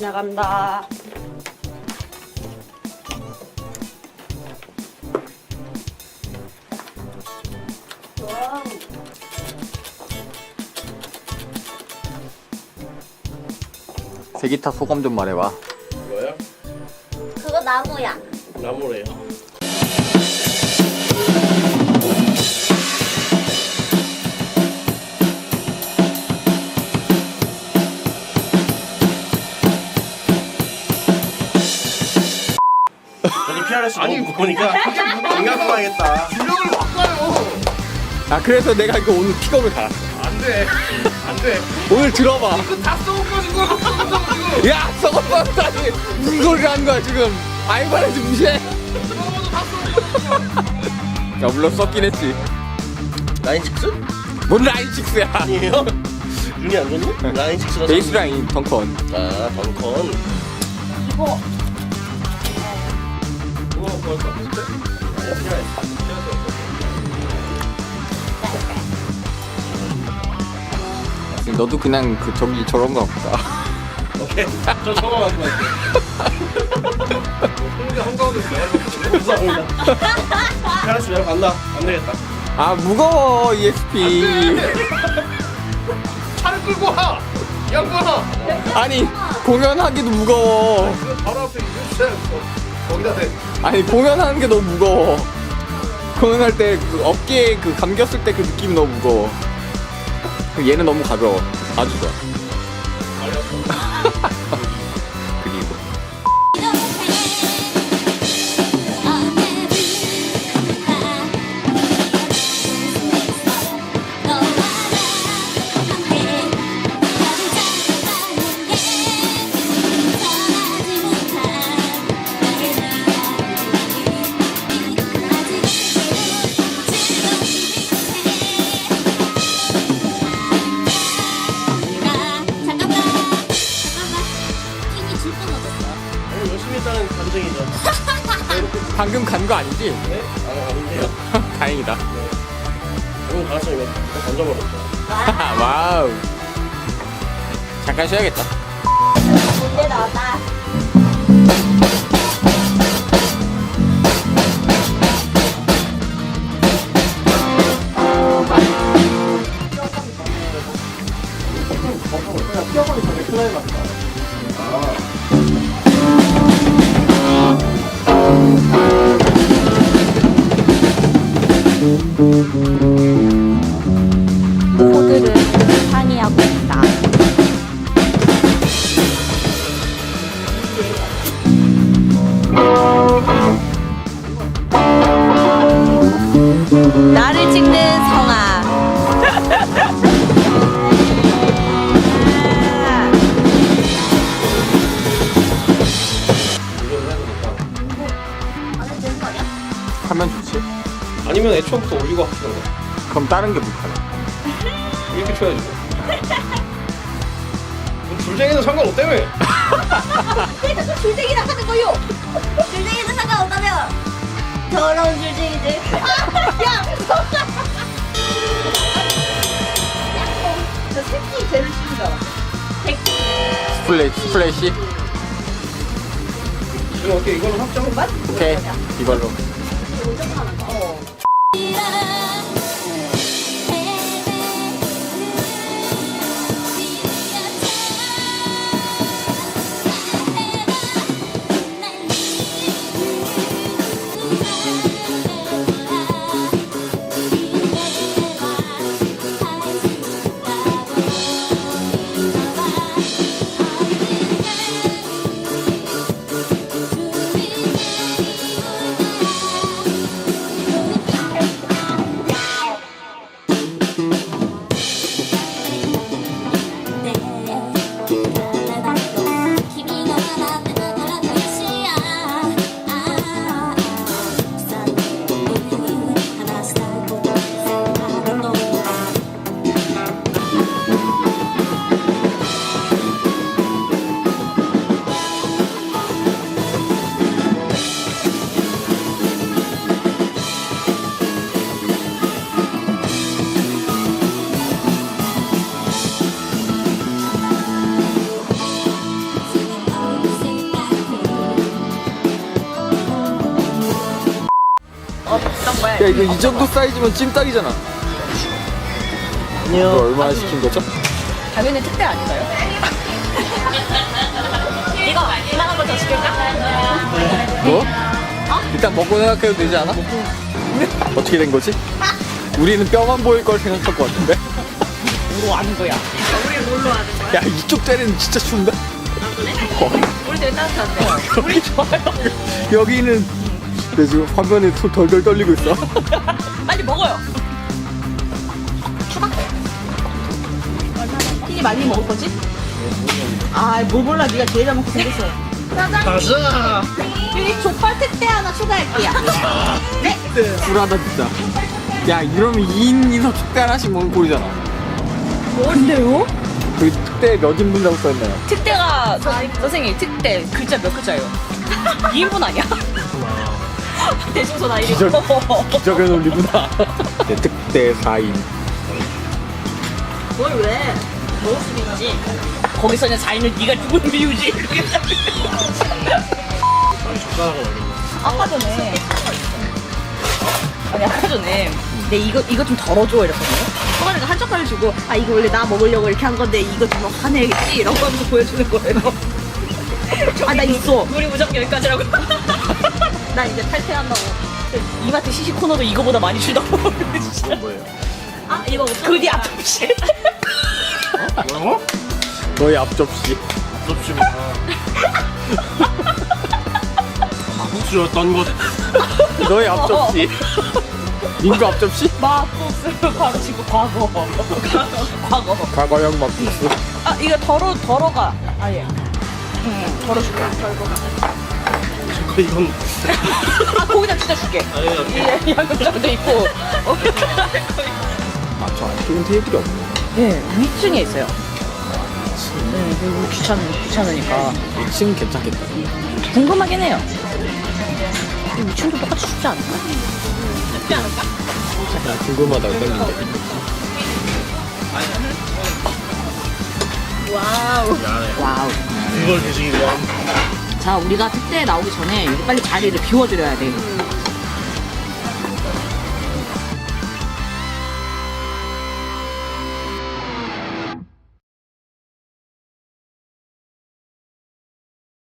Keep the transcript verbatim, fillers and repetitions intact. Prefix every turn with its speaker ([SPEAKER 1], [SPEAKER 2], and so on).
[SPEAKER 1] 나간다. 와.
[SPEAKER 2] 세기타 소감 좀 말해봐.
[SPEAKER 3] 뭐야?
[SPEAKER 1] 그거 나무야.
[SPEAKER 3] 나무래요. 저기 피아레스 아니 보니까 공략 가야겠다.
[SPEAKER 4] 주력을 바꿔요.
[SPEAKER 2] 아 그래서 내가 이거 오늘 픽업을 달았어.
[SPEAKER 4] 안돼 안돼.
[SPEAKER 2] 오늘 들어봐.
[SPEAKER 4] 이거 다 썩어가지고 썩어가지고 지금.
[SPEAKER 2] 야 썩었다니 무슨 소리를 하는 거야 지금. 아이바레즈 무시해.
[SPEAKER 4] 썩어도 다 썩어.
[SPEAKER 2] 야 물론 썩긴 했지.
[SPEAKER 3] 라인 식스?
[SPEAKER 2] 뭔 라인 식스야.
[SPEAKER 3] 아니에요? 눈이 안 좋니? 라인 식스라서.
[SPEAKER 2] 베이스 라인 덩컨.
[SPEAKER 3] 아 덩컨.
[SPEAKER 1] 이거
[SPEAKER 4] 이거 뭐할 것 같은데?
[SPEAKER 3] 아니야 피아레스.
[SPEAKER 2] 너도 그냥 그 저기 저런 거 보다.
[SPEAKER 3] 오케이. 저 저거 가지고 갈게.
[SPEAKER 4] 홍대 한가운데 내가 이렇게
[SPEAKER 3] 감사합니다. 피아레스 내가 간다. 안 되겠다.
[SPEAKER 2] 아 무거워 이엑스피.
[SPEAKER 4] 차를 끌고 와. 이 양반아.
[SPEAKER 2] 아니 공연하기도 무거워.
[SPEAKER 4] 그 바로 앞에 유치해. 거기다 대.
[SPEAKER 2] 아니 공연하는 게 너무 무거워. 공연할 때 그 어깨에 그 감겼을 때 그 느낌이 너무 무거워. 얘는 너무 가벼워. 아주 좋아. 그리고
[SPEAKER 3] 오늘 열심히 했다는 감정이죠.
[SPEAKER 2] 방금 간 거 아니지?
[SPEAKER 3] 네? 아 아닌데요.
[SPEAKER 2] 다행이다.
[SPEAKER 3] 오늘 가서 이거 이거 던져버렸죠.
[SPEAKER 2] 와우. 잠깐 쉬어야겠다.
[SPEAKER 1] 문제 나왔다. 코드를 상의하고 있다. 나를 찍는 성아.
[SPEAKER 2] 하면 좋지.
[SPEAKER 3] 아니면 애초부터 올리고 합시다.
[SPEAKER 2] 그럼 다른 게 불편해.
[SPEAKER 3] 이렇게 쳐야지. 뭐 줄쟁이는 상관없다며.
[SPEAKER 1] 그래서 그 줄쟁이라 하는 거요. 줄쟁이는 상관없다며. 더러운 줄쟁이들. 야, 저 새끼 제일 싫은 줄 알아. 새끼.
[SPEAKER 2] 스플래시 스플래시.
[SPEAKER 3] 지금 어떻게 이걸로 확정?
[SPEAKER 1] 맞?
[SPEAKER 2] 오케이 이걸로.
[SPEAKER 1] 오점 하는 거. 어.
[SPEAKER 2] 야 이거 이 정도 사이즈면 찜닭이잖아. 이거 얼마나 시킨 거죠?
[SPEAKER 1] 당연히 특대 아닌가요? 이거 이만한 거 더 시킬까?
[SPEAKER 2] 뭐? 일단 먹고 생각해도 되지 않아? 어떻게 된 거지? 우리는 뼈만 보일 걸 생각할 것 같은데?
[SPEAKER 1] 뭐로 아는 거야? 우리 뭘로 아는 거야?
[SPEAKER 2] 야 이쪽 자리는 진짜 추운데? 어.
[SPEAKER 1] 우리 되게 따뜻한데.
[SPEAKER 2] 우리 좋아요. 여기는 내 지금 화면에 손 덜덜 떨리고 있어.
[SPEAKER 1] 빨리 먹어요. 추가? 튀기 많이 먹을 거지? 아, 뭘 몰라. 네가 제일 잘 먹고 생겼어. 사장님.
[SPEAKER 4] 가자.
[SPEAKER 1] 여기 족발 특대 하나 추가할게요. 네.
[SPEAKER 2] 불하다 진짜. 야 이러면 이 인 이상 특대 하나씩 먹는 꼴이잖아.
[SPEAKER 1] 뭔데요?
[SPEAKER 2] 그 특대 몇 인분이라고 써있나요?
[SPEAKER 1] 특대가 서, 선생님 특대 글자 몇 글자예요? 이 인분 아니야? 대중소 나이
[SPEAKER 2] 기적, 기적의 논리구나. 네, 특대 사 인.
[SPEAKER 1] 뭘 왜? 먹을 수도 있지. 거기서 그냥 자인을 네가 죽은 비우지. 아까 전에 아니 아까 전에 내 이거 이거 좀 덜어줘 이랬거든요. 소가리가 한 젓갈을 주고 아 이거 원래 나 먹으려고 이렇게 한 건데 이거 좀 화내겠지 이런 거 하면서 보여주는 거예요. 아 나 있어. 우리 무조건 여기까지라고. 나 이제 탈퇴한다고. 이마트 시식 코너도 이거보다 많이 주다고.
[SPEAKER 2] 뭐예요?
[SPEAKER 1] 아 이거 그디 앞접시.
[SPEAKER 4] 뭐라고?
[SPEAKER 2] 너의 앞접시.
[SPEAKER 4] 접시구나. 국수였던 것.
[SPEAKER 2] 너의 앞접시. 민구 앞접시?
[SPEAKER 1] 막국수 바로 지금 과거. 과거.
[SPEAKER 2] 과거형 막국수.
[SPEAKER 1] 아 이거 덜어 덜어가. 아예. 응 덜어줄게. 덜어.
[SPEAKER 4] 이건
[SPEAKER 1] 아 거기다 진짜 줄게.
[SPEAKER 4] 아니야.
[SPEAKER 1] 이 양념장도 있고.
[SPEAKER 2] 아, 저 안쪽은 테이블이 없네.
[SPEAKER 1] 네 위층에 있어요. 네 그리고 귀찮 귀찮으니까.
[SPEAKER 2] 이 층 괜찮겠다.
[SPEAKER 1] 궁금하긴 해요. 이 위층도 똑같이 춥지 않을까? 춥지 않을까?
[SPEAKER 2] 그냥 궁금하다고 땡긴데.
[SPEAKER 1] 와우. 와우.
[SPEAKER 4] 이걸 드시기 위한.
[SPEAKER 1] 자 우리가 특대에 나오기 전에 여기 빨리 자리를 비워드려야 돼.